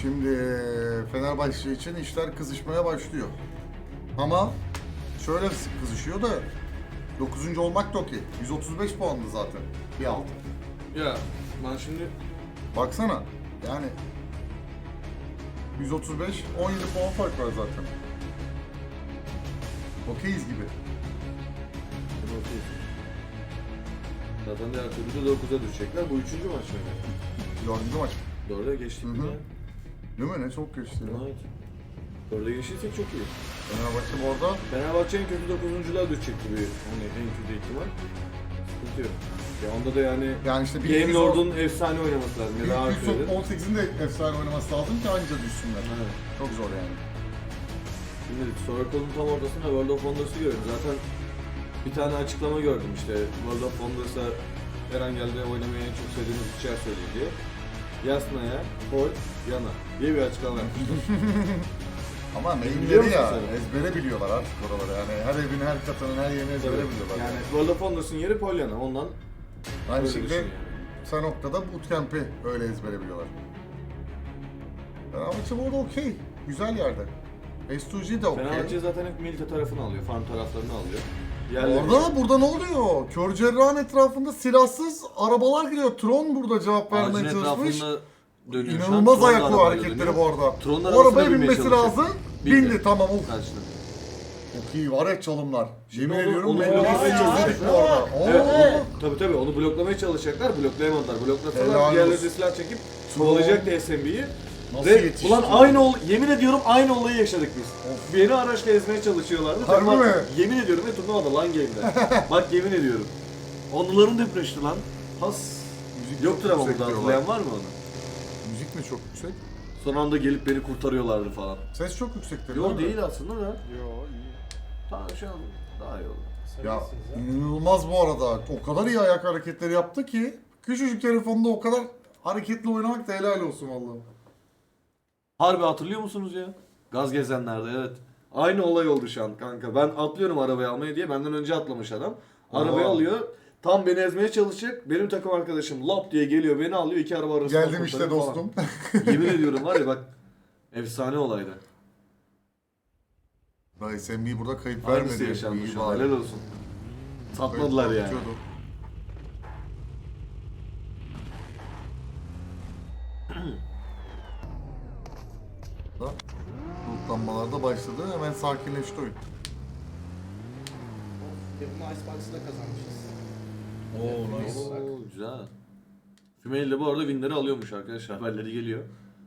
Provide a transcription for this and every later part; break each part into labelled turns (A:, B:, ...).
A: Şimdi Fenerbahçe için işler kızışmaya başlıyor. Ama şöyle kızışıyor da 9. olmak da okey. 135 puanlı zaten. Bir alt.
B: Ya ben şimdi
A: Baksana. Yani 135, 17 puan fark var zaten. Okeyiz gibi.
B: zaten diğer türlü de 9'a düşecekler. Bu 3. maç mı?
A: 4. maç.
B: 4'e geçtik mi
A: Hı hı.
B: ya?
A: Değil mi? Ne çok geçti ya.
B: Evet. 4'e geçtiysek çok iyi.
A: Fenerbahçe bu arada
B: Fenerbahçe en kötü 9'uncular düşecek gibi hani en kötü ihtimal. Sıkıntı yok. Ya onda da yani
A: işte
B: Game Lord'un efsane oynaması lazım ya da
A: ilk
B: Arthur'ın.
A: 18'in de efsane oynaması lazım ki anca düşsünler.
B: Evet.
A: Çok zor yani.
B: Şimdi Circle'ın tam ortasında World of Wonders'ı gördüm. Zaten bir tane açıklama gördüm işte World of Wonders'a Erangel'de oynamayı en çok sevdiğiniz içer söyledi diye. Yasna'ya, Paul, Yana diye bir açıklama yapmışlar.
A: Ama
B: Biliyor
A: mainleri
B: musun
A: ya,
B: sen?
A: ezbere biliyorlar artık oraları yani her evin, her katının, her yerini ezbere biliyorlar.
B: Yani World of Wonders'ın yeri Paul Yana, ondan
A: Aynı
B: öyle
A: şekilde
B: düşün yani.
A: Sanok'ta da bootcamp'i öyle ezbere biliyorlar. Fenerbahçe bu arada okey, güzel yerde. S2G de okey.
B: Fenerbahçe zaten hep Milita tarafını alıyor, farm taraflarını alıyor. Yerleri-
A: Burada ne oluyor? Kör Cerrah'ın etrafında silahsız arabalar gidiyor. Tron burada cevap
B: Ağacın
A: vermeye çalışmış.
B: etrafında dönüyor şu an.
A: İnanılmaz
B: Tron da
A: ayaklı
B: arabayla
A: hareketleri
B: dönüyor.
A: bu arada.
B: Tron'un
A: O
B: arabasına
A: arabaya
B: binmeye
A: binmesi
B: çalışıyor.
A: lazım.
B: Bindi.
A: Bindi tamam. Of.
B: Karşına.
A: Çok iyi var ya çalımlar. Yemin
B: onu-
A: ediyorum
B: onu
A: belli
B: bloklamaya
A: çözüldük bu
B: çalışacaklar.
A: arada.
B: Evet, tabii onu bloklamaya çalışacaklar, bloklayamadılar. Bloklasalar
A: Helal
B: diğerleri
A: olsun.
B: de silah çekip kovalayacaktı SMB'yi.
A: Nasıl
B: Ve
A: yetişti?
B: ulan yemin ediyorum aynı olayı yaşadık biz. Beni araçla ezmeye çalışıyorlardı.
A: Harbi
B: Turnuva-
A: mi?
B: Yemin ediyorum ve turnuvada lan game'de. Bak yemin ediyorum. Onların depreşti lan. Has.
A: Müzik
B: Yoktur
A: çok
B: ama
A: yüksek
B: burada
A: diyorlar.
B: hatırlayan var mı onu?
A: Müzik mi çok yüksek?
B: Son anda gelip beni kurtarıyorlardı falan.
A: Ses çok yüksek
B: Yok değil aslında da.
C: Yo iyi.
B: Tamam şu an daha iyi oldu.
A: Ya
C: Seviyesiz ha.
A: inanılmaz bu arada. O kadar iyi ayak hareketleri yaptı ki küçücük telefonda o kadar hareketli oynamak da helal olsun vallahi.
B: Harbi hatırlıyor musunuz ya? Gaz gezenlerde evet. Aynı olay oldu şu an kanka. Ben atlıyorum arabayı almaya diye. Benden önce atlamış adam. Arabayı
A: Aa.
B: alıyor. Tam beni ezmeye çalışacak. Benim takım arkadaşım lop diye geliyor. Beni alıyor. İki araba arasında
A: Geldim işte
B: kurtarıyor falan.
A: dostum.
B: Yemin ediyorum var ya bak. Efsane olaydı.
A: Daha SMB burada kayıp
B: Aynısı
A: vermedi.
B: yaşanmış.
A: İyi
B: oldu.
A: bari.
B: Helal olsun. Satmadılar
A: Kayıp
B: yani.
A: tutuyordu. Da lootlanmalar da başladı. Hemen sakinleşti oyun.
C: Ve bunu Icebox'da kazanmışız.
A: Oo nice.
B: Oo, güzel. Fümeil de bu arada winleri alıyormuş arkadaşlar. Haberleri geliyor.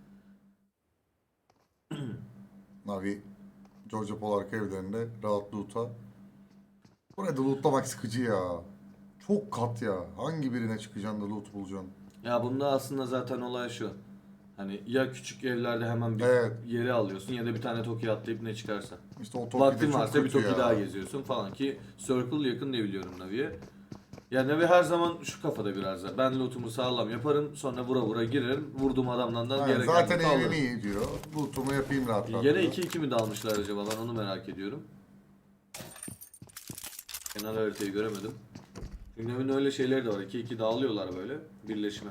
A: Navi Georgia Pol arka evlerinde rahat loot'a. Buraya da lootlamak sıkıcı ya. Çok kat ya. Hangi birine çıkacaksın da loot bulacaksın?
B: Ya bunda aslında zaten olay şu. Hani ya küçük evlerde hemen bir
A: Evet.
B: yeri alıyorsun ya da bir tane Toki'ye atlayıp ne çıkarsa.
A: İşte o Toki'de
B: Vaktin
A: çok
B: varsa bir
A: kötü
B: Toki
A: ya.
B: daha geziyorsun falan ki Circle yakın diye biliyorum Navi'ye. Yani Navi her zaman şu kafada biraz da. Ben lootumu sağlam yaparım sonra vura vura girerim. Vurduğum adamdan da
A: Ha,
B: gereken
A: zaten
B: loot'u alırım.
A: evimi iyi diyor. Lootumu yapayım rahat rahat.
B: Gene
A: diyor.
B: 2-2 mi dalmışlar acaba ben onu merak ediyorum. Genel haritayı göremedim. Çünkü Navi'nin öyle şeyleri de var. 2-2 dağılıyorlar böyle birleşme.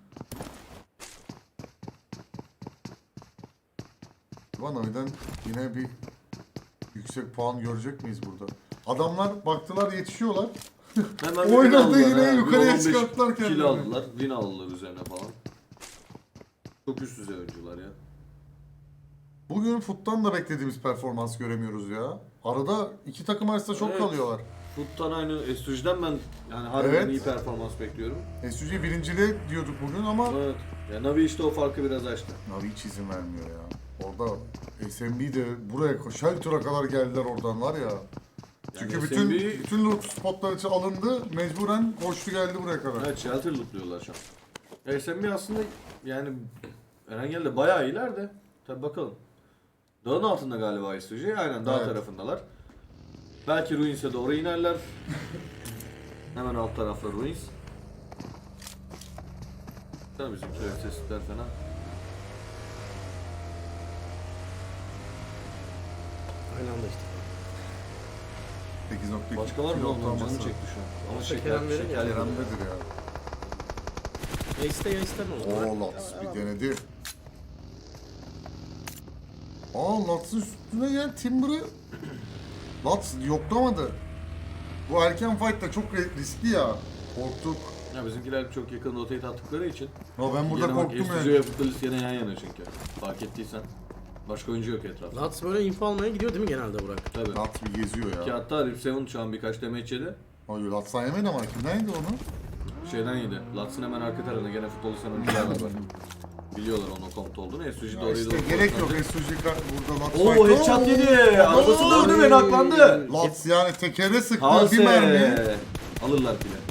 A: Ulan Navi'den yine bir yüksek puan görecek miyiz burada? Adamlar baktılar yetişiyorlar.
B: Hemen bir
A: Oynadı
B: win aldılar
A: yine
B: ha. Bir
A: yukarıya
B: 15
A: çıkarttılar
B: kill
A: kendilerini.
B: aldılar. Win aldılar üzerine falan. Çok üst düzey oyuncular ya.
A: Bugün Foot'tan da beklediğimiz performans göremiyoruz ya. Arada iki takım arasında çok
B: Evet.
A: kalıyorlar.
B: Foot'tan aynı S3'den ben yani harbiden
A: Evet.
B: iyi performans bekliyorum.
A: SUG birinciliğe diyorduk bugün ama
B: Evet. Ya Navi işte o farkı biraz açtı.
A: Navi hiç izin vermiyor ya. Orada SMB de buraya Shelter'a kadar geldiler oradan var ya. Çünkü
B: Yani
A: bütün
B: SMB
A: bütün loot spotları için alındı. Mecburen koştu geldi buraya kadar.
B: evet shelter lootluyorlar şu an. SMB aslında yani Erengel'de bayağı iyiler de. Tabi bakalım. Dağın altında galiba S3. Aynen dağ
A: Evet.
B: tarafındalar. Belki Ruins'e doğru inerler. Hemen alt tarafta Ruins. Tabii bizim sesler fena.
C: Aynı anda işte.
A: 8.2
B: Başka var mı?
A: kilo
B: Oğlum canım
A: ortalaması.
B: çekti şu an. Ama
C: Şeker
B: şeker,
C: verin
B: şeker
C: ya.
A: Kerem'dedir ya.
C: Ya iste ya isteme o zaman.
A: Oo Lats bir denedi. Lats'ın üstüne gelen Timber'ı Lats yoklamadı. Bu erken fight da çok riskli ya. Korktuk.
B: Ya bizimkiler çok yakın rotate attıkları için.
A: Ya ben burada
B: Gene bak,
A: korktum
B: Estudio
A: yani.
B: ve Futalis gene yan yana çünkü. Fark ettiysen. Başka oyuncu yok etrafta.
C: Lats böyle info almaya gidiyor değil mi genelde Burak?
B: Tabii.
A: Lats bir geziyor
B: Ki
A: ya.
B: hatta Rip Seven şu an birkaç damage yedi.
A: Hayır Lats'tan yemedi ama kimden yedi onu?
B: Şeyden yedi. Lats'ın hemen arka tarafında gene Futalis'ten oyuncular var bak. Biliyorlar onun komut olduğunu. Estudio
A: Ya
B: doğruyu
A: işte
B: doğru
A: gerek yok
B: konuşmadı.
A: Estuji burada Lats
B: Oo
A: fight.
B: headshot yedi. Arabası
A: Oo.
B: döndü ve naklandı.
A: Lats yani tekere sıktı
B: Hase.
A: bir mermi.
B: Alırlar bile.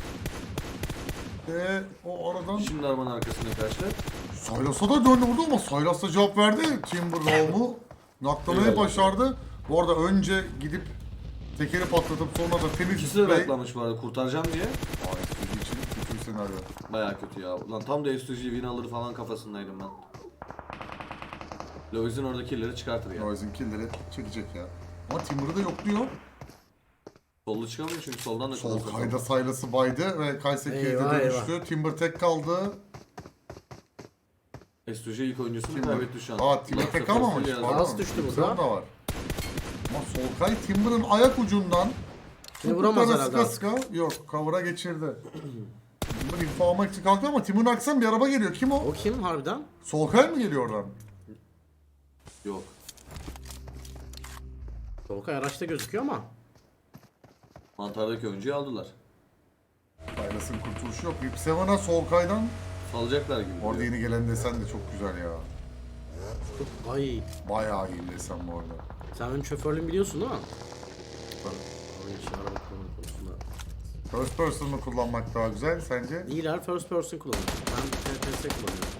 A: O aradan
B: Şimdi arabanın arkasına karşı.
A: Saylas'a da döndü vurdu ama Saylas da cevap verdi. Timber Raum'u naklamayı
B: Eyvallah.
A: başardı. Bu arada önce gidip tekeri patlatıp sonra da temiz
B: İkisi de naklamış bu arada kurtaracağım diye.
A: Estuji için kötü bir senaryo.
B: Baya kötü ya. Lan tam da Estuji win alır falan kafasındaydım ben. Lovis'in orada killleri çıkartır ya.
A: Noise'in killleri çekecek ya. Ama Timber'ı da yokluyor.
B: Solda çıkamıyor çünkü soldan da
A: Sol
B: kılıç
A: kayda Saylas'ı baydı ve Kayseri'ye
C: Eyvah,
A: dönüştü. Timber tek kaldı.
B: Estuji ilk oyuncusunu
A: Timber.
B: kaybetti şu an.
A: Timber
B: Last
A: tek
B: of
A: kalmamış.
B: Us'u yazdı.
A: Pardon.
C: Last düştü
A: Timber
C: burada.
A: da var. Ama Solkay Timber'ın ayak ucundan
C: Seni vuramaz
A: topuklarına
C: herhalde
A: sıka sıka yok cover'a geçirdi. Timber info almak için kalktı ama Timber'ın arkasından bir araba geliyor. Kim o?
C: O kim harbiden?
A: Solkay mı geliyor oradan?
B: Yok.
C: Solkay araçta gözüküyor ama.
B: Mantardaki oyuncuyu aldılar.
A: Saylas'ın kurtuluşu yok. Rip Seven'a Solkay'dan
B: Salacaklar gibi.
A: orada
B: duruyor.
A: yeni gelen desen de çok güzel ya.
C: Ay
A: Bayağı iyi desen bu arada.
C: sen benim şoförlüğümü biliyorsun değil mi?
A: Tabii.
C: Oyun için araba kullanma konusunda.
A: First person mı kullanmak daha güzel sence?
C: İyiler first person kullanıyor. Ben TPS kullanıyorum.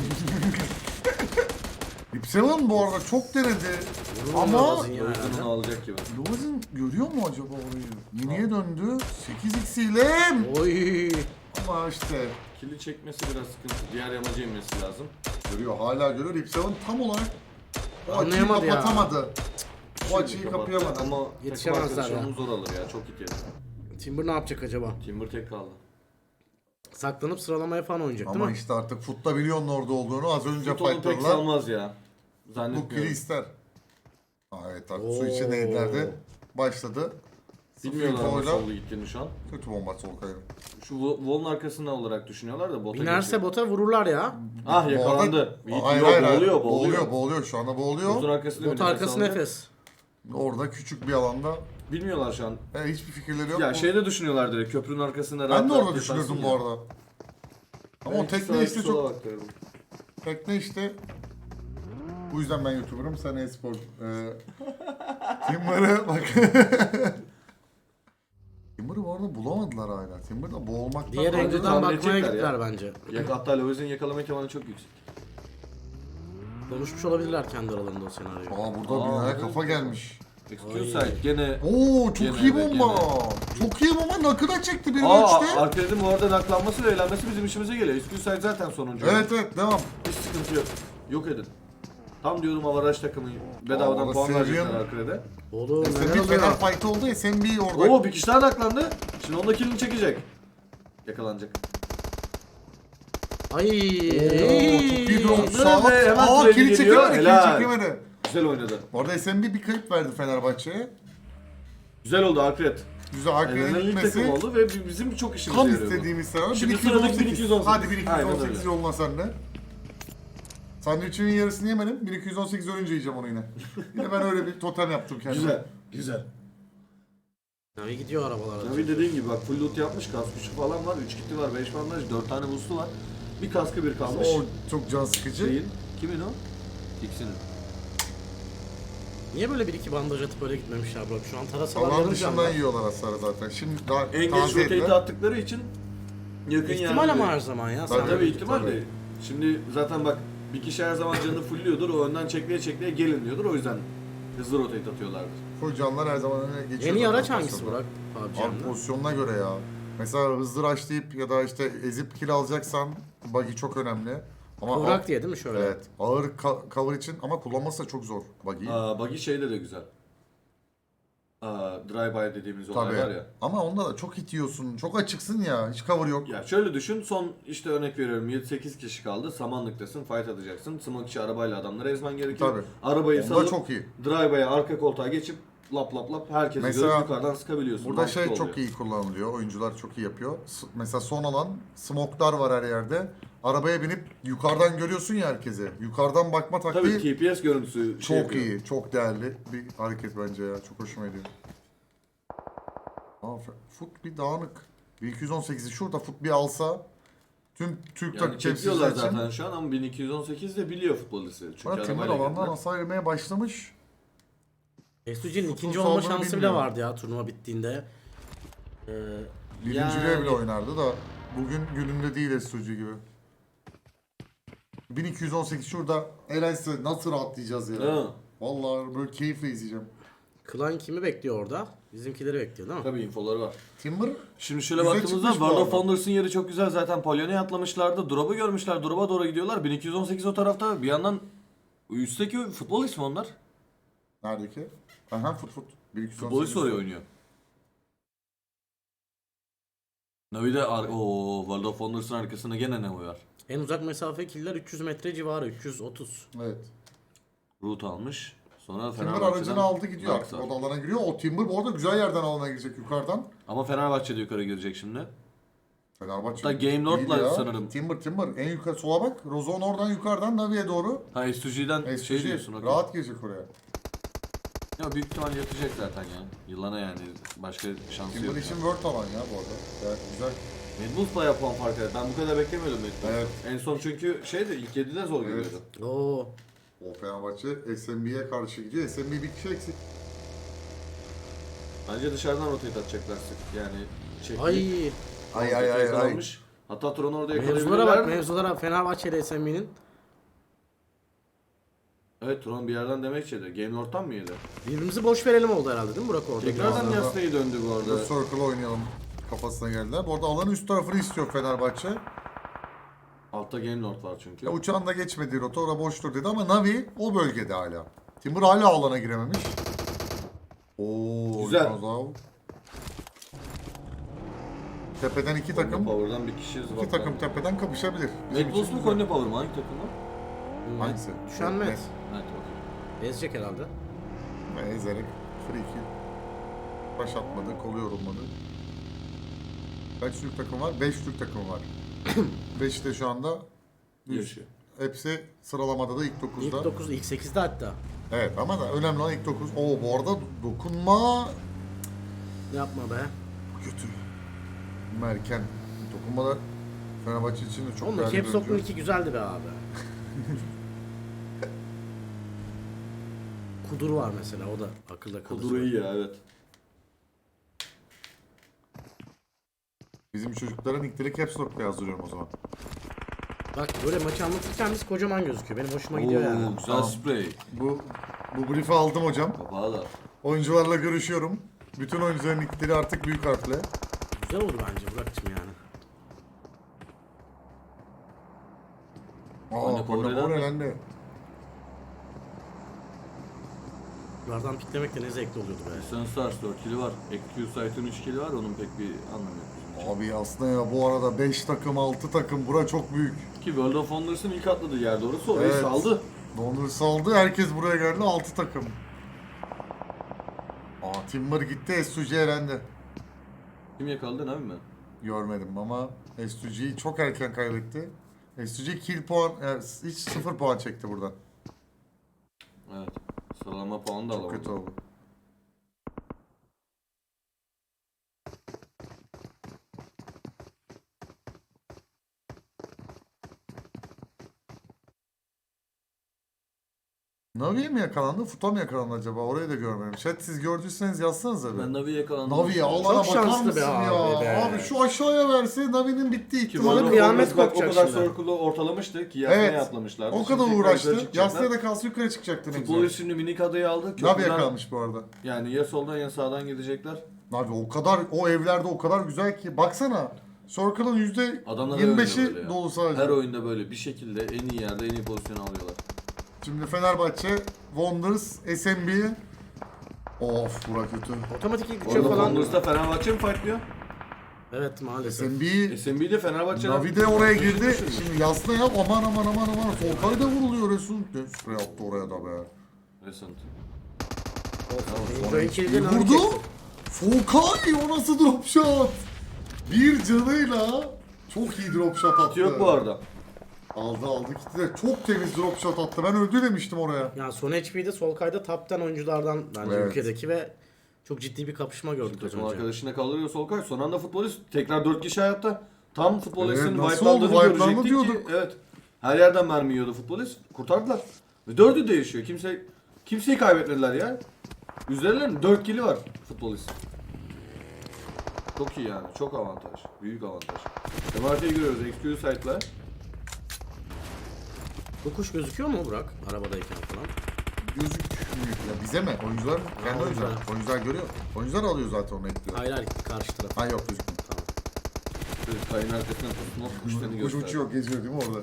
A: Rip Seven bu arada çok denedi.
C: Vurur
A: Ama
C: Lavaz'ın ya
B: Lovis'in
C: herhalde.
B: onu alacak gibi.
A: Lovaz'ın görüyor mu acaba orayı? Yeniye döndü. 8x ile.
C: Oy.
A: Ama işte
B: Kili çekmesi biraz sıkıntı. Diğer yamaca inmesi lazım.
A: görüyor, hala görüyor. Rip Seven tam olarak o açıyı
C: Anlayamadı ya.
A: kapatamadı. O
B: Şimdi
A: açıyı
B: kapattı
A: kapayamadı.
B: Ama
C: Yetişemezler
B: takım arkadaşı
C: ya.
B: onu zor alır ya. Çok hit yedi.
C: Timber ne yapacak acaba?
B: Timber tek kaldı.
C: Saklanıp sıralamaya falan oynayacak değil
A: Ama
C: mi?
A: işte artık Foot'ta biliyorsun orada olduğunu. Az önce
B: Fut onu pek
A: fightladılar.
B: salmaz ya.
A: Bu kili
B: Zannetmiyorum.
A: ister. Evet artık su içi neylerde başladı.
B: Bilmiyorlar ama
A: Sıfır
B: solda gittiğini şu an.
A: kötü bomba Solkay'ın.
B: Şu Wall'un arkasında olarak düşünüyorlar da bota
C: Binerse
B: geçecek.
C: bota vururlar ya.
B: Ah yakalandı.
A: Hayır,
B: Yok,
A: hayır, hayır.
B: boğuluyor.
A: Boğuluyor. Şu anda boğuluyor.
B: Botun arkasında bir
C: Bot
B: nefes
C: arkası
B: alacak.
C: nefes.
A: Orada küçük bir alanda
B: Bilmiyorlar şu an.
A: hiçbir fikirleri yok.
B: Ya şeyde düşünüyorlar direkt köprünün arkasında
A: Ben de
B: rahat
A: orada
B: yaparsın
A: düşünürdüm
B: ya.
A: bu arada. Ama o
B: Ben
A: tekne
B: sağa,
A: işte
B: sola
A: çok...
B: bakıyorum.
A: Tekne işte... Bu yüzden ben YouTuber'ım, sen e-spor. Timber'ı bak... Timber'ı bu arada bulamadılar hala. Timber'da boğulmaktan...
C: Diğer
B: Bence
C: önceden
B: tahmin
C: bakmaya
B: edecekler
C: gittiler
B: ya.
C: bence.
B: Hatta Lovez'in yakalama ihtimali çok yüksek.
C: Konuşmuş olabilirler kendi aralarında o senaryoyu.
A: Burada binaya
B: evet.
A: kafa gelmiş.
B: Excuse
C: Ay.
B: side gene...
A: Oo çok
B: Gene
A: iyi
B: de,
A: bomba. Çok iyi bomba, nakı da çekti biri
B: Aa
A: üçte.
B: Arkade'in bu arada naklanması ve eğlenmesi bizim işimize geliyor. Excuse side zaten sonuncu.
A: Evet devam.
B: Hiç sıkıntı yok. Yok edin. Tam diyorum avaraj takımı bedavadan
A: Aa,
B: puan
A: Serbian-
B: verecekler Arkade'de.
C: Oğlum neler
A: SMB fena
C: oluyor?
A: fight oldu, SMB orada.
B: Oo bir kişi daha naklandı. Şimdi onda killini çekecek. Yakalanacak.
C: Ay.
A: Çok iyi drone.
B: Ve
A: Sağ
B: hemen
A: Aa
B: treni
A: kili
B: geliyor,
A: çekemedi, kili
B: helal.
A: çekemedi.
B: Güzel oynadı.
A: Orada SMB bir kayıp verdi Fenerbahçe'ye.
B: Güzel oldu Arkadet.
A: Güzel Hakkı'nın
B: Elenen ilk
A: gitmesi.
B: takım oldu ve bizim çok işimize
A: Tam
B: yarıyor bu.
A: istediğimiz senaryo.
B: Şimdi
A: 1218.
B: sıradaki 1218.
A: Hadi
B: Aynen
A: 1218
B: öyle.
A: yoluna sen de. Sandviçimin yarısını yemedim. 1218 ölünce yiyeceğim onu yine. Yine ben öyle bir totem yaptım kendime.
B: Güzel. Güzel.
C: Navi gidiyor arabalara.
B: Tabii dediğin gibi bak full loot yapmış. Kask güçlü falan var. 3 kiti var. 5 bandaj. 4 tane boost'u var. Bir kaskı bir kalmış.
A: O çok can sıkıcı.
B: Şeyin. Kimin o? X'inin.
C: Niye böyle bir iki bandaj atıp öyle gitmemişler bro? Şu an tarasalar
A: Alan
C: yarım
A: dışından
C: canlı.
A: yiyorlar hasarı zaten. Şimdi daha
B: En geç
A: taze
B: rotate
A: ettiler.
B: attıkları için yakın
C: İhtimal
B: yerde-
C: ama her zaman ya.
A: Tabii,
C: Sen
B: Tabii ihtimal
A: Tabii.
B: de. Şimdi zaten bak bir kişi her zaman canını fullüyordur. O önden çekleye çekleye gelin diyordur. O yüzden hızlı rotate atıyorlardır.
A: Full canlar her zaman öne geçiyor.
C: en iyi
A: zaten
C: araç hangisi
A: pozisyonda.
C: Burak?
A: Abi
C: PUBG'nin.
A: pozisyonuna göre ya. Mesela hızlı rushlayıp ya da işte ezip kill alacaksan buggy çok önemli. Ama
C: Kıvrak diye değil mi şöyle?
A: Evet. Ağır cover için ama kullanması da çok zor buggy'yi.
B: Buggy şeyde de güzel. drive-by dediğimiz olay
A: Tabii.
B: var ya.
A: Ama onda da çok hit yiyorsun. Çok açıksın ya. Hiç cover yok.
B: Ya şöyle düşün, son işte örnek veriyorum 7-8 kişi kaldı, samanlıktasın, fight atacaksın. Smoke içi arabayla adamları ezmen gerekiyor.
A: Tabii.
B: Arabayı
A: Onda
B: salıp
A: çok iyi.
B: drive-by'a arka koltuğa geçip lap lap lap herkesi
A: Mesela
B: görüp yukarıdan sıkabiliyorsun.
A: Burada
B: Mantıklı
A: şey çok
B: oluyor.
A: iyi kullanılıyor. Oyuncular çok iyi yapıyor. Mesela son alan smoke'lar var her yerde. Arabaya binip yukarıdan görüyorsun ya herkese. Yukarıdan bakma taktiği
B: Tabii TPS görüntüsü şey
A: çok
B: yapıyor.
A: iyi. Çok değerli bir hareket bence ya. Çok hoşuma gidiyor. Foot bir dağınık. 1218'i şurada Foot bir alsa tüm Türk
B: Yani
A: takip
B: çekiyorlar
A: temsilciler için.
B: zaten şu an ama 1218 de biliyor futbolisi. Çünkü
A: Bana Timur
B: arabayla
A: alandan
B: geldiler.
A: hasar yemeye başlamış.
C: SUG'nin ikinci
A: Futbol
C: olma
A: saldırı
C: şansı bile
A: bilmiyor.
C: vardı ya turnuva bittiğinde.
A: Birinciliğe
B: Yani-
A: bile oynardı da bugün gününde değil SUG gibi. 1218 şurada elense nasıl rahatlayacağız ya.
B: Değil mi?
A: Vallahi böyle keyifle izleyeceğim.
C: Klan kimi bekliyor orada? Bizimkileri bekliyor değil mi?
B: Tabii infoları var.
A: Timber
B: Şimdi şöyle
A: Güzel
B: baktığımızda
A: çıkmış bu
B: World of
A: arada.
B: Wonders'ın yeri çok güzel, zaten Palyon'a atlamışlardı. Drop'u görmüşler. Drop'a doğru gidiyorlar. 1218 o tarafta. Bir yandan üstteki futbol ismi onlar.
A: neredeki? Aha Foot. 1218.
B: Futbolist oraya oynuyor. Navi'de World of Wonders'ın arkasında gene ne var?
C: En uzak mesafe killer 300 metre civarı, 330.
A: Evet.
B: Root almış. Sonra
A: Timber
B: Fenerbahçe'den
A: aracını aldı gidiyor
B: Dark
A: artık.
B: Star.
A: O da alana giriyor. O Timber bu arada güzel yerden alana girecek yukarıdan.
B: Ama Fenerbahçe'de yukarı girecek şimdi.
A: Fenerbahçe.
B: Hatta Game Lord'la
A: değil ya.
B: sanırım.
A: Timber. En yukarı sola bak. Rozon oradan yukarıdan Navi'ye doğru.
B: Ha SUG'den şey
A: SUG
B: diyorsun. okey.
A: rahat girecek oraya.
B: Ya büyük ihtimal yatacak zaten ya. Yılana yani. Başka şansı
A: Timber
B: yok.
A: için World alan ya bu arada. Gayet güzel.
B: Red Bulls bayağı puan fark eder. Ben bu kadar beklemiyordum Red Bulls.
A: Evet.
B: En son çünkü şeydi, ilk 7'de zor
A: Evet.
B: geliyordu.
C: Oo.
A: O Fenerbahçe SMB'ye karşı gidiyor. SMB bir kişi eksik.
B: Bence dışarıdan rotate atacaklar sık. Yani çekti.
C: Ay.
A: Ay.
B: Hatta Tron orada
C: Mevzulara
B: yakalayabilirler.
C: bak, mevzulara. Fenerbahçe'de SMB'nin.
B: Evet, Tron bir yerden demek yedi. Game Lord'dan mı yedi?
C: Birbirimizi boş verelim oldu herhalde değil mi Burak orada?
B: Tekrardan
A: Biraz daha-
B: Yasna'yı döndü bu
A: Burada
B: arada.
A: Circle oynayalım kafasına geldiler. Bu arada alanın üst tarafını istiyor Fenerbahçe.
B: Altta Game Lord var çünkü.
A: Ya uçağın da geçmediği rota orada boştur dedi ama Navi o bölgede hala. Timber hala alana girememiş. Oo,
B: Güzel.
A: Kazav. Tepeden iki takım.
B: Power'dan bir kişi
A: İki
B: zıvatlar.
A: takım tepeden kapışabilir. Bizim
B: Red Bulls
A: için
B: mu
A: güzel.
B: Konya Power mu? Hangi takım var?
A: Hangisi?
C: Düşen Met.
B: Evet, okey.
C: Ezecek herhalde.
A: Ve ezerek free kill. Baş atmadı, kolu yorulmadı. Kaç Türk takım var? 5 Türk takımı var. 5 de şu anda
B: Yaşıyor.
A: hepsi sıralamada da ilk
C: İlk
A: 9'da.
C: 9, ilk 8'de hatta.
A: Evet ama da önemli olan ilk 9. Oo bu arada dokunma
C: Yapma be.
A: kötü. Merken. Dokunmalar Fenerbahçe için de çok
C: Onun da
A: değerli
C: Caps
A: bir
C: Lock'un
A: oyuncu.
C: 2 güzeldi be abi. Kudur var mesela, o da akılda kalıcı.
B: Kuduro iyi ya, evet.
A: Bizim çocukların nickleri Caps Lock'la yazdırıyorum o zaman.
C: Bak böyle maçı anlatırken biz kocaman gözüküyor. Benim hoşuma gidiyor yani.
B: Oo, güzel
A: Tamam.
B: spray.
A: Bu brief'i aldım hocam.
B: Kapağı da.
A: Oyuncularla görüşüyorum. Bütün oyuncuların nickleri artık büyük harfle.
C: Güzel olur bence Burak'cığım yani.
A: Aa,
B: Korne'den mi?
A: elendi.
C: Yukarıdan piklemek de ne zevkli oluyordu be.
B: Sun Stars 4 kili var. EQ Sight'ın 3 kili var. Onun pek bir anlamı yok bizim için.
A: Abi aslında ya bu arada 5 takım 6 takım bura çok büyük.
B: Ki World of Wonders'ın ilk atladığı yer doğrusu orayı
A: Evet.
B: saldı.
A: Dondur saldı herkes buraya geldi 6 takım. Aa Timber gitti SUG elendi.
B: Kim yakaladı ne mi?
A: Görmedim ama SUG'yi çok erken kaybetti. SUG kill puan hiç 0 puan çekti buradan.
B: Evet. Sıralama puanı da
A: Çok
B: alamadı.
A: kötü oldu. Navi'ye mi yakalandı, Futa mı yakalandı acaba? Orayı da görmedim. Chat siz gördüyseniz yazsanıza bir.
B: Ben Navi'yi yakalandım.
A: Navi'ye Allah'ına
C: Çok
A: bakar
C: şanslı
A: mısın
C: be
A: ya?
C: abi be.
A: Abi şu aşağıya verse Navi'nin bittiği
B: Ki
A: ihtimali
B: World of
A: bu.
C: kıyamet
B: Wonders bak o
C: kopacak
B: kadar
C: şimdi.
B: circle'ı ortalamıştı ki Yasna'ya
A: Evet.
B: atlamışlardı.
A: O
B: Şimdi
A: kadar
B: tekrar
A: uğraştı.
B: yukarı çıkacaklar.
A: Yasnaya da kalsa yukarı çıkacaktı ne
B: Futbol
A: güzel.
B: şimdi minik adayı aldı.
A: Navi
B: Köprüden-
A: yakalamış bu arada.
B: Yani ya soldan ya sağdan gidecekler.
A: Navi o kadar, o evlerde o kadar güzel ki. Baksana. Circle'ın
B: Adamlar öyle böyle
A: %25'i
B: ya.
A: dolu sadece.
B: Her oyunda böyle bir şekilde en iyi yerde en iyi pozisyonu alıyorlar.
A: Şimdi Fenerbahçe, Wonders, SMB Of bura kötü.
C: Otomatik ilk üçe
B: World of
C: falan.
B: Wonders'ta Fenerbahçe mi fightlıyor?
C: Evet maalesef.
A: SMB
B: SMB'de Fenerbahçe'den...
A: Navi de oraya girdi. Şimdi Yasna yap aman. Solkay da vuruluyor Resul. Ne sprey attı oraya da be.
B: Recent.
C: Join kill'de Navi
A: Vurdu.
C: çekti.
A: Solkay o nasıl drop shot? Bir canıyla çok iyi drop shot attı.
B: Yok bu arada.
A: Aldı gitti de çok temiz drop shot attı. Ben öldü demiştim oraya.
C: Yani son HP'de Solkay'da top 10 oyunculardan bence
A: Evet.
C: ülkedeki ve çok ciddi bir kapışma gördük az
B: Takım
C: önce.
B: arkadaşına kaldırıyor Solkay. Son anda futbolist tekrar 4 kişi hayatta. Tam futbolistin
A: nasıl
B: wipe'landığını
A: oldu? Wipe'landı
B: görecektik ki.
A: diyorduk.
B: Evet. Her yerden mermi yiyordu futbolist. Kurtardılar. Ve 4'ü de yaşıyor. Kimseyi kaybetmediler ya. Üzerlerinde 4 kili var futbolist. Çok iyi yani. Çok avantaj. Büyük avantaj. MRT'yi görüyoruz. XQ site'la.
C: Bu kuş gözüküyor mu Burak? Arabadayken falan.
A: Gözükmüyor. Ya bize mi? Oyuncular kendi
C: oyuncular.
A: oyuncular. Oyuncular görüyor. Oyuncular alıyor zaten onu ekliyor.
C: Hayır karşı taraf.
A: Ha yok gözükmüyor.
C: Tamam.
B: Kayın arkasından tutunup kuşlarını
A: Kuş
B: gösteriyor.
A: uçuyor, geziyor değil mi orada?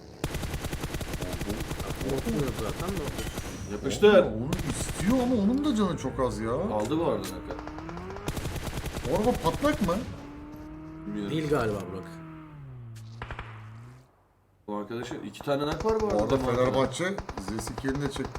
C: Korkmuyor zaten de.
B: Yapıştır.
A: Onu istiyor ama onun da canı çok az ya.
B: Aldı bu arada Naka.
A: O araba patlak mı?
B: Bilmiyorum.
C: Değil galiba Burak.
B: Bu arkadaşı 2 tane nak var bu arada.
A: Orada
B: Bu arkadaş.
A: Fenerbahçe Z2'ni de çekti.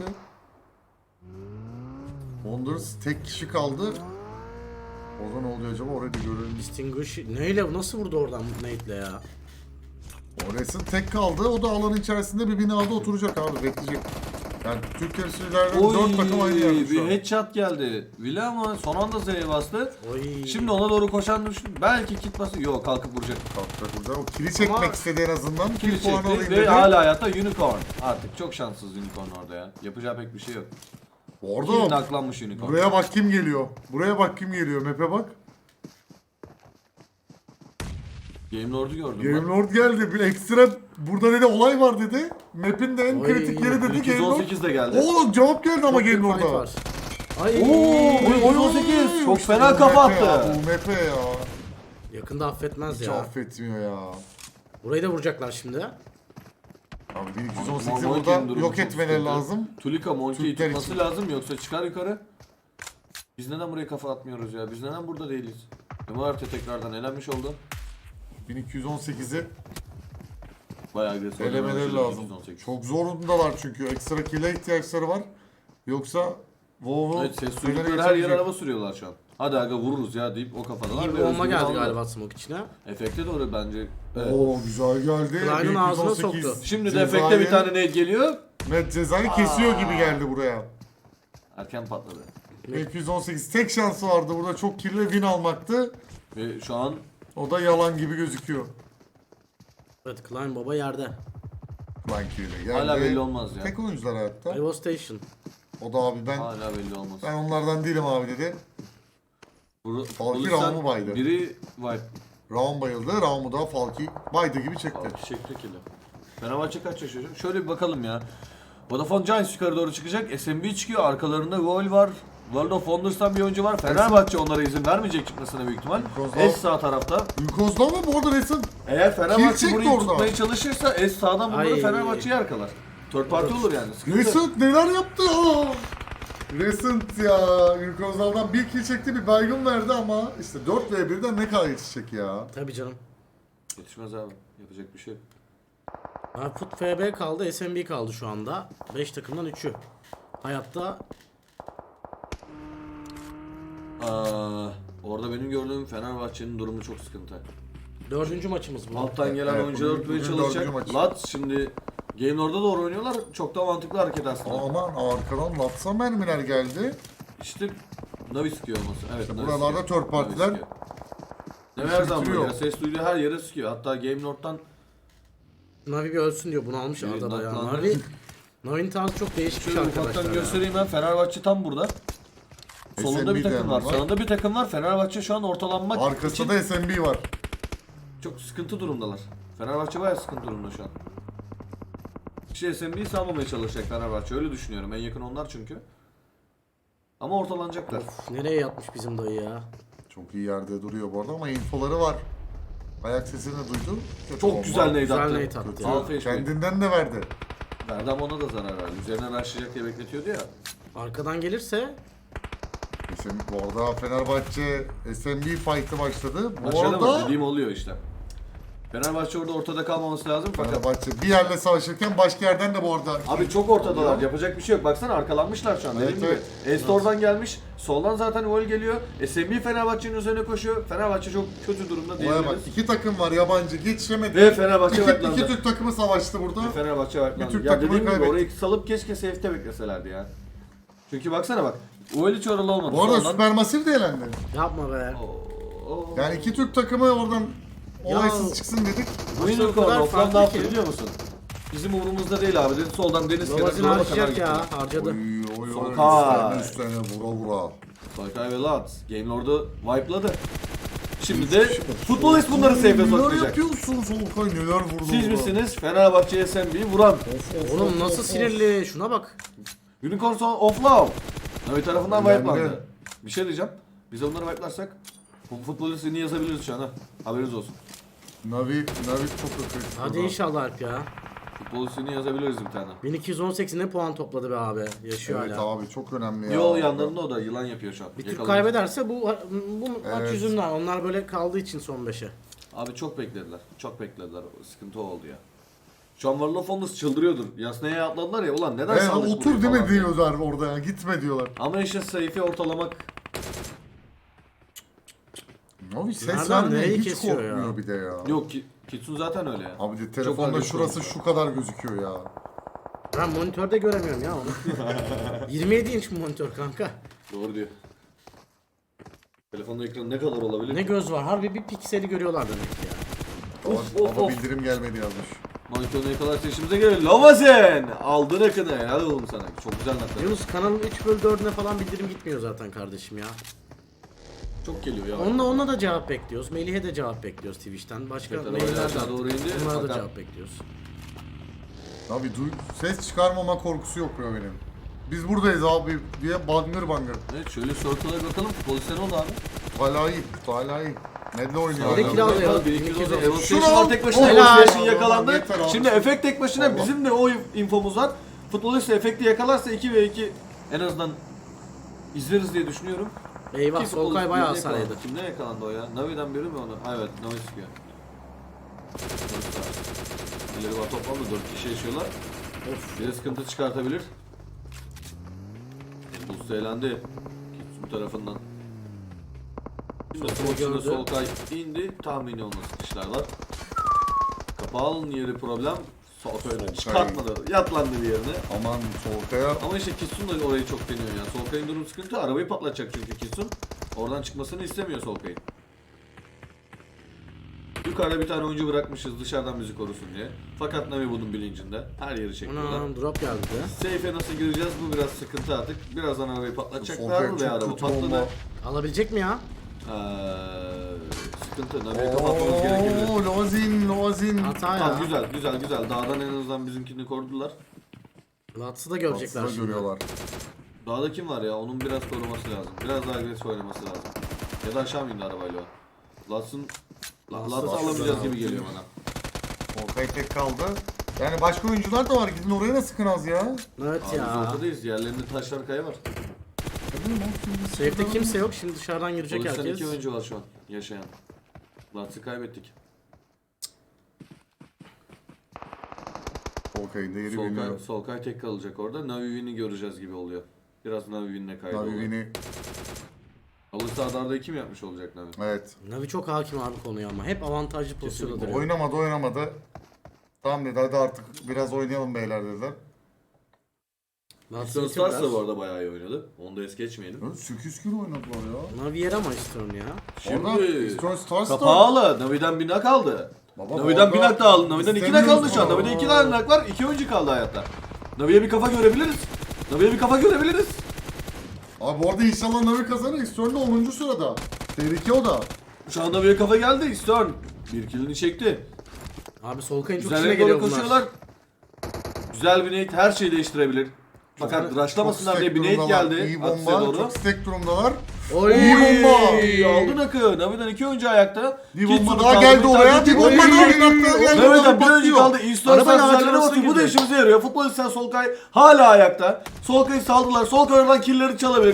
A: Wonders tek kişi kaldı. Orada ne oluyor acaba? Orayı da görelim.
C: Distinguish neyle nasıl vurdu oradan Nate'le ya?
A: Orası tek kaldı. O da alanın içerisinde bir binada oturacak abi. Bekleyecek. Yani Türk temsilcilerden
B: Oy,
A: 4 takım aynı yerde şu
B: bir
A: an.
B: headshot geldi. Villa ama son anda Z'ye bastı.
C: Oy.
B: Şimdi ona doğru koşan düşün. Belki kit bası. Yok kalkıp vuracak.
A: Kalkacak burada. O kili çekmek
C: Ama-
A: istedi en azından.
B: Kill
A: Kill puanı
B: çekti
A: alayım
B: ve
A: dedi.
B: hala hayatta Unicorn. Artık çok şanssız Unicorn orada ya. Yapacağı pek bir şey yok. Kill
A: Orada
B: naklanmış Unicorn.
A: buraya bak kim geliyor. Buraya bak kim geliyor. Map'e bak.
B: Game Lord'u gördüm
A: Game
B: ben.
A: Lord geldi. Bir ekstra burada dedi olay var dedi. Map'in de en
C: Oy,
A: kritik yeri dedi Game Lord.
B: 218 de geldi.
A: Oğlum cevap geldi ama
C: Çok
A: Game
C: bir fight
A: Lord'a.
C: var. Ay.
B: Oy 18. Çok
A: İşte
B: fena
A: bu
B: kafa
A: Map'e ya,
B: attı.
A: Bu Map'e ya.
C: Yakında affetmez
A: Hiç
C: ya.
A: affetmiyor ya.
C: Burayı da vuracaklar şimdi.
A: Abi 1218'i
B: Monkey'in
A: burada
B: durumu
A: yok
B: çok
A: etmeleri
B: sıkıntı.
A: lazım.
B: Tulika Monkey'i
A: Türkler
B: tutması
A: için.
B: lazım yoksa çıkar yukarı. Biz neden buraya kafa atmıyoruz ya? Biz neden burada değiliz? MRT tekrardan elenmiş oldu.
A: 1218'i
B: Bayağı agresif.
A: elemeleri
B: oynamışız
A: lazım.
B: 218.
A: Çok zorundalar çünkü. Ekstra kill'e ihtiyaçları var. Yoksa WoW'u
B: Evet ses
A: Fener'e
B: duydukları her yere
A: geçemeyecek.
B: araba sürüyorlar şu an. Hadi aga vururuz ya deyip o kafadalar.
C: İyi bir
B: ve
C: bomba
B: özgürlüğü
C: geldi
B: aldılar.
C: galiba smoke içine.
B: Efekte doğru bence. Evet.
A: Oo güzel geldi.
C: Klein'in ağzına soktu.
B: Şimdi de efekte bir tane ne geliyor?
A: Met cezayı kesiyor gibi geldi buraya.
B: Erken patladı.
A: 218 tek şansı vardı burada çok kirli win almaktı.
B: Ve şu an
A: O da yalan gibi gözüküyor.
C: Evet Klein baba yerde.
A: Lan kirli geldi.
B: hala belli olmaz ya.
A: Tek oyuncular hayatta.
C: Evo Station.
A: O da abi ben
B: Hala belli olmaz.
A: onlardan değilim abi dedi. Falki Raum'u baydı.
B: Biri wipe.
A: Raum bayıldı. Raum'u da Falki baydı gibi çekti.
B: Falki çekti kili. Fenerbahçe kaç yaşıyor? Şöyle bir bakalım ya. Vodafone Giants yukarı doğru çıkacak. SMB çıkıyor. Arkalarında Vol var. World of Wonders'tan bir oyuncu var. Fenerbahçe onlara izin vermeyecek çıkmasına büyük ihtimal.
A: Kozlov.
B: S sağ tarafta.
A: Ülkoz'da mı bu arada resim?
B: Eğer Fenerbahçe
A: çekti
B: burayı
A: orada.
B: tutmaya çalışırsa S sağdan bunları
C: Ay.
B: Fenerbahçe'yi arkalar. Third party olur yani. Sıkıntı.
A: Recent neler yaptı? Aa! Recent ya. Ülkoz'dan bir kill çekti bir baygın verdi ama işte 4v1'den ne kadar yetişecek ya.
C: Tabii canım.
B: Yetişmez abi. Yapacak bir şey yok.
C: Ha, Put FB kaldı, SMB kaldı şu anda. 5 takımdan 3'ü. Hayatta
B: Orada benim gördüğüm Fenerbahçe'nin durumu çok sıkıntı.
C: 4. maçımız bu.
B: Alttan gelen
A: Evet,
B: oyuncular
A: bugün
B: tutmaya
A: dördüncü
B: çalışacak.
A: maç.
B: Lat şimdi Game Lord'a doğru oynuyorlar. Çok da mantıklı hareket aslında.
A: Aman arkadan Latsa mermiler geldi.
B: İşte Navi sıkıyor olması. Evet,
A: İşte
B: Navi
A: buralarda
B: sıkıyor.
A: third partiler
B: Navi sıkıyor. Ne her zaman
A: bitiriyor.
B: böyle ya, ses duyduğu her yere sıkıyor. Hatta Game Lord'dan
C: Navi bir ölsün diyor. Bunu almış
B: Evet,
C: Arda bayağı.
B: naklandı.
C: Navi'nin tarzı çok değişik
B: şöyle
C: arkadaşlar
B: ufaktan
C: ya.
B: göstereyim ben. Fenerbahçe tam burada. Solunda bir
A: SMB de
B: takım var.
A: var.
B: Sağında bir takım var. Fenerbahçe şu an ortalanmak için
A: Arkasında da SMB var.
B: çok sıkıntı durumdalar. Fenerbahçe bayağı sıkıntı durumda şu an. İşte SMB'yi salmamaya çalışacak Fenerbahçe. Öyle düşünüyorum. En yakın onlar çünkü. Ama ortalanacaklar.
C: Nereye yatmış bizim dayı ya?
A: Çok iyi yerde duruyor bu arada ama infoları var. Ayak sesini duydu. Kötü
B: Çok
A: bomba.
B: güzel neydi
C: Güzel
B: attı.
C: nade attı
A: Kötü.
C: ya.
B: Alfa HP.
A: Kendinden de verdi.
B: Verdam ona da zarar verdi. Üzerine rushlayacak diye bekletiyordu ya.
C: Arkadan gelirse
A: Bu arada Fenerbahçe SMB fight'ı başladı. Bu
B: Başladı mı?
A: arada
B: Dediğim oluyor işte. Fenerbahçe orada ortada kalmaması lazım fakat
A: Fenerbahçe bir yerle savaşırken başka yerden de bu arada...
B: abi çok ortadalar. Yapacak bir şey yok. Baksana arkalanmışlar şu an.
A: Evet,
B: Dediğim gibi.
A: evet.
B: Estor'dan gelmiş. Soldan zaten gol geliyor. SMB Fenerbahçe'nin üzerine koşuyor. Fenerbahçe çok kötü durumda
A: Olaya bak,
B: diyebiliriz.
A: iki takım var yabancı geçemedi.
B: Ve Fenerbahçe
A: İki
B: baklandı.
A: Türk takımı savaştı burada.
B: Fenerbahçe var.
A: Bir Türk
B: Ya
A: takımını
B: dediğim gibi
A: kaybetti.
B: orayı salıp keşke safe'te bekleselerdi ya. Çünkü baksana bak. O hiç oralı olmadı.
A: Bu arada
B: Sonradan-
A: Supermassive de elendi.
C: Yapma be.
B: Oo.
A: Yani iki Türk takımı oradan olaysız çıksın dedik.
B: Winner
C: o kadar
B: Corner offline ne
C: farklı
B: yaptı
C: ki.
B: biliyor musun? Bizim umurumuzda değil abi. Dedi soldan deniz kenarı
C: Babacın
B: dolaba kadar
C: harcayacak
B: gitti.
C: ya. Harcadı.
A: Oy
B: Solkay.
A: üstlerine vura vura.
B: Solkay ve Lat. Game Lord'u wipe'ladı. Şimdi de futbolist bunları safe'e
A: Neler
B: sokacak.
A: yapıyorsun Solkay, neler vurdu
B: Siz
A: orada.
B: misiniz Fenerbahçe SMB'yi vuran?
C: Oğlum nasıl sinirli. Şuna bak.
B: Unicorn offline. Navi tarafından
A: Önemli.
B: wipe'landı. Bir şey diyeceğim. Biz onları wipe'larsak futbolistini yazabiliriz şu an ha. Haberiniz olsun.
A: Navi çok akıllı.
C: Hadi inşallah Alp ya.
B: Futbolistini yazabiliriz bir tane.
C: 1218 ne puan topladı be abi. Yaşıyor
A: Evet
C: hala.
A: abi çok önemli ya.
B: Yo yanlarında o da yılan yapıyor şu an.
C: Bir Türk
B: Yakalanır.
C: kaybederse bu maç
A: Evet.
C: yüzünden. Onlar böyle kaldığı için son 5'e.
B: Abi çok beklediler. Çok beklediler. Sıkıntı oldu ya. Şu an World of Wonders çıldırıyordur. Yasnaya atladılar ya ulan neden saldık
A: Otur
B: buraya
A: değil mi
B: falan diye.
A: diyorlar orada ya, gitme diyorlar.
B: Ama işte sayfayı ortalamak
A: Navi ses
C: Nereden
A: vermeye
C: nereyi
A: hiç
C: kesiyor
A: korkmuyor
C: ya?
A: bir de ya.
B: yok ki. Kitsun zaten öyle ya.
A: Abi de
B: Çok
A: telefonda
B: agresif
A: şurası
B: oynuyor.
A: şu kadar gözüküyor ya.
C: Ben monitörde göremiyorum ya onu. 27 inç monitör kanka.
B: Doğru diyor. Telefonda ekran ne kadar olabilir?
C: Ne göz var. Harbi bir pikseli görüyorlar demek ki ya.
A: Ama bildirim gelmedi yazmış.
B: Monitörünü yakalarsa işimize gelir. Lovazen! Aldın akını. Helal oğlum sana. Çok güzel nakler.
C: Yunus kanalın 3/4'üne falan bildirim gitmiyor zaten kardeşim ya.
B: Çok geliyor ya.
C: Onunla da cevap bekliyoruz. Melih'e de cevap bekliyoruz Twitch'ten. Başka
B: Evet,
C: mailler
B: aşağı doğru indi.
C: Onlara da
B: Fakat-
C: cevap bekliyoruz.
A: Abi ses çıkarmama korkusu yok ya benim. Biz buradayız abi diye bangır bangır.
B: Evet şöyle circle'a bakalım. Futboliste ne oldu abi?
A: Hala iyi. Nedle oynuyor.
C: Sağdaki
A: hala.
C: kral ya.
B: Evolution
A: Şunu
B: tek başına
C: Helal.
B: Evolution yakalandı.
A: Yeter abi.
B: Şimdi efekt tek başına
A: Allah.
B: bizim de o infomuz var. Futbolist efekti yakalarsa 2 ve 2 en azından izleriz diye düşünüyorum.
C: Eyvah
B: Ki
C: Solkay
B: futbolist
C: bayağı
B: birine
C: hasar
B: yakalandı.
C: yedi.
B: Kimden yakalandı o ya? Navi'den biri mi onu? Ha evet Navi sıkıyor. İleri var toplamda 4 kişi yaşıyorlar. Of bir de sıkıntı çıkartabilir. Boost eğlendi. Bu tarafından. Şimdi
C: Solkay
B: Solkay'da
C: gördü.
B: Solkay indi. Tahmini olması işler var. Kapağın yeri problem. Solkay'da çıkartmadı. Yatlandı bir yerine.
A: Aman Solkay'a.
B: Ama işte Kitsun da orayı çok deniyor ya. Solkay'ın durum sıkıntı. Arabayı patlatacak çünkü Kitsun. Oradan çıkmasını istemiyor Solkay'ın. Yukarıda bir tane oyuncu bırakmışız dışarıdan bizi korusun diye. Fakat Navi bunun bilincinde. Her yeri çekiyorlar.
C: Anam drop geldi de.
B: Safe'e nasıl gireceğiz bu biraz sıkıntı artık. Birazdan arabayı patlatacaklar
A: Solkay
B: ve araba
A: çok kötü bomba.
B: patladı.
C: Alabilecek mi ya?
B: Sıkıntı. Navi'yi kapatmamız gerekebilir.
A: Ooo Lozin.
C: Hata
B: Tamam
C: ya.
B: güzel. Dağdan en azından bizimkini korudular.
C: Lats'ı da görecekler
A: Aslında
C: şimdi.
A: görüyorlar.
B: Dağda kim var ya? Onun biraz koruması lazım. Biraz daha agresif oynaması lazım. Ya da aşağı mı indi arabayla o? Lats'ın Lats'ı alamayacağız gibi geliyor bana.
A: Solkay tek kaldı. Yani başka oyuncular da var. Gidin oraya da sıkın az ya.
C: Evet
B: Abi
C: ya.
B: biz ortadayız. Yerlerinde taşlar kaya var.
C: Safe'de kimse yok. Şimdi dışarıdan girecek
B: Polisten
C: herkes.
B: 2 oyuncu var şu an yaşayan. Lats'ı kaybettik.
A: Solkay'ın değeri
B: Solkay,
A: bilmiyor.
B: Solkay tek kalacak orada. Navi'ni göreceğiz gibi oluyor. Biraz Navi'ninle kaydı oluyor.
A: Navi'ni
B: Alırsa Adar'da kim yapmış olacak Navi?
A: evet.
C: Navi çok hakim abi konuya ama. Hep avantajlı pozisyonda
B: Kesinlikle.
C: duruyor.
A: Oynamadı. Tamam dedi hadi artık biraz oynayalım beyler dediler.
C: Lats'ın
B: Houston
C: için
B: Stars da
C: biraz.
B: bu arada bayağı iyi oynadı. Onu da es geçmeyelim.
A: Evet, 8 kilo oynadılar ya.
C: Navi yer ama istiyorum ya.
A: Orada
B: Şimdi
A: Eastern Stars da...
B: kapağılı. Navi'den bir nak aldı.
A: Baba,
B: Navi'den
A: orada
B: bir nak da aldı. Navi'den 2 nak aldı şu an.
A: istemiyoruz.
B: Navi'den 2 tane nak var. 2 oyuncu kaldı hayatta. Navi'ye bir kafa görebiliriz. Navi'ye bir kafa görebiliriz.
A: Abi orada inşallah Navi kazanır. Eastern'de 10. sırada. Tehlike o da.
B: Şu anda Navi'ye kafa geldi. Eastern. Bir killini çekti.
C: Abi Solkay'ın çok
B: Güzel
C: işine
B: bir doğru
C: geliyor bunlar.
B: koşuyorlar. Güzel bir nade her şeyi değiştirebilir. Fakat
A: Çok
B: rushlamasınlar diye
A: stack
B: bir nade
A: durumdalar.
B: geldi.
A: İyi
B: Aksiye
A: bomba.
B: doğru.
A: Çok stack durumdalar.
C: Oy!
A: İyi bomba.
B: Aldın akı. Navi'den 2 oyuncu ayakta.
A: Bir
B: Kitsun'u
A: bomba daha
B: kaldı,
A: geldi
B: bir
A: oraya.
B: tane
A: Bir bomba
B: Oy!
A: daha bir dakika geldi.
B: Navi'den
A: Adam
B: bir oyuncu
A: patlıyor.
B: kaldı. Eastern
C: Arabanın
B: Stars'ın
C: ağacına
B: üzerine
C: nasıl
B: bakıyor. Bu da
C: girdi?
B: işimize yarıyor. Futbolistler Solkay hala ayakta. Solkay'ı saldılar. Solkay oradan killleri çalabilir.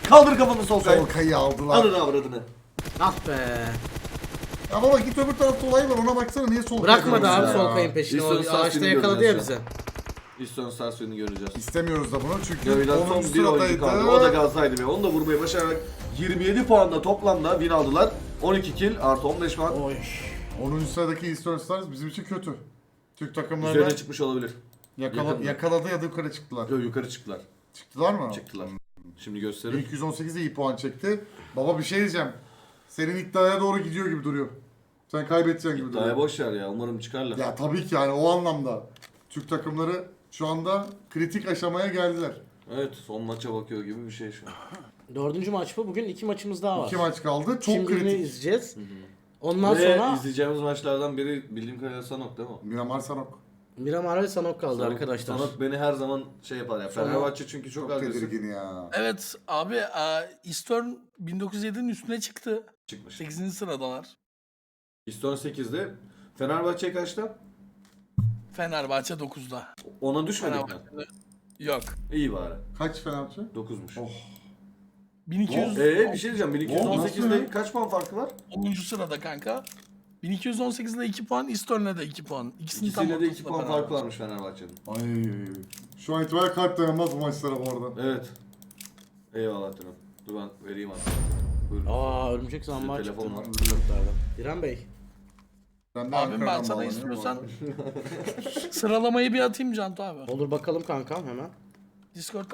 B: Kaldır kafanı Solkay.
A: Solkay'ı aldılar.
B: Alın avradını.
C: Ah be.
A: Ya baba git öbür tarafta olay var ona baksana niye Solkay'ı
C: Bırakmadı abi
A: görüyorsun ya?
C: Solkay'ın peşini. O
B: İstiyorsan
C: ağaçta
B: seni
C: yakaladı ya
B: göreceğiz
C: bizi.
B: İston Stars'ını göreceğiz.
A: İstemiyoruz da bunu çünkü
B: Gövden
A: 10.
B: son bir oyuncu kaldı. O da
A: sıradaydı.
B: Galatasaray'dı ve onu da vurmayı başararak 27 puanla toplamda win aldılar. 12 kill artı 15 puan.
C: Oy.
A: 10. sıradaki Eastern Stars bizim için kötü. Türk takımları
B: Üzerine çıkmış olabilir. yakındı.
A: yakaladı ya da yukarı çıktılar.
B: Yok yukarı çıktılar.
A: Çıktılar mı?
B: Çıktılar. Şimdi göstereyim.
A: 218'de iyi puan çekti. Baba bir şey diyeceğim. Senin iddiaya doğru gidiyor gibi duruyor. Sen kaybedeceksin gibi
B: Daha
A: duruyor.
B: boş ver ya. Umarım çıkarlar.
A: Ya tabii ki yani o anlamda. Türk takımları şu anda kritik aşamaya geldiler.
B: Evet, son maça bakıyor gibi bir şey şu an.
C: 4. maç bu. Bugün 2 maçımız daha var.
A: 2 maç kaldı. Çok
C: Şimdi birini
A: kritik.
C: izleyeceğiz. Ondan
B: Ve
C: sonra
B: izleyeceğimiz maçlardan biri bildiğim kadarıyla Sanok değil mi?
A: Miramar Sanok.
C: Miramar ve Sanok kaldı
B: Sanok-
C: arkadaşlar.
B: Sanok beni her zaman şey yapar ya. Fenerbahçe çünkü çok
A: Çok
B: agresif
A: tedirgin ya.
D: Evet abi Eastern 1907'nin üstüne çıktı.
B: çıkmış.
D: 8. sıradalar.
B: İston 8'de. Fenerbahçe kaçta?
D: Fenerbahçe 9'da.
B: Ona düşmedik mi?
D: Fenerbahçe'de yok.
B: İyi bari.
A: Kaç Fenerbahçe?
B: 9'muş.
A: Oh.
D: 1200
B: Bir şey diyeceğim.
A: Nasıl
B: 1218'de
A: ya?
B: kaç puan farkı var?
D: 10. sırada kanka. 1218'de 2 puan, Eastern'e de 2 puan. İkisinin tam
B: İkisiyle de 2
D: ortasında
B: puan
D: Fenerbahçe.
B: farkı varmış Fenerbahçe'nin.
A: Ay. Şu an itibariyle kalp dayanmaz bu maçlara bu arada.
B: Evet. Eyvallah canım. Dur ben vereyim artık. Buyurun.
C: Aa örümcek zambağı
B: Sizde
C: çıktı.
B: telefon var.
C: İrem Bey.
A: Ben de
D: Abim ben
A: Ankara'dan
D: sana
A: bağlanıyorum
D: istiyorsan
A: bu arada.
D: sıralamayı bir atayım Cantu abi.
C: Olur bakalım kankam hemen.
D: Discord'dan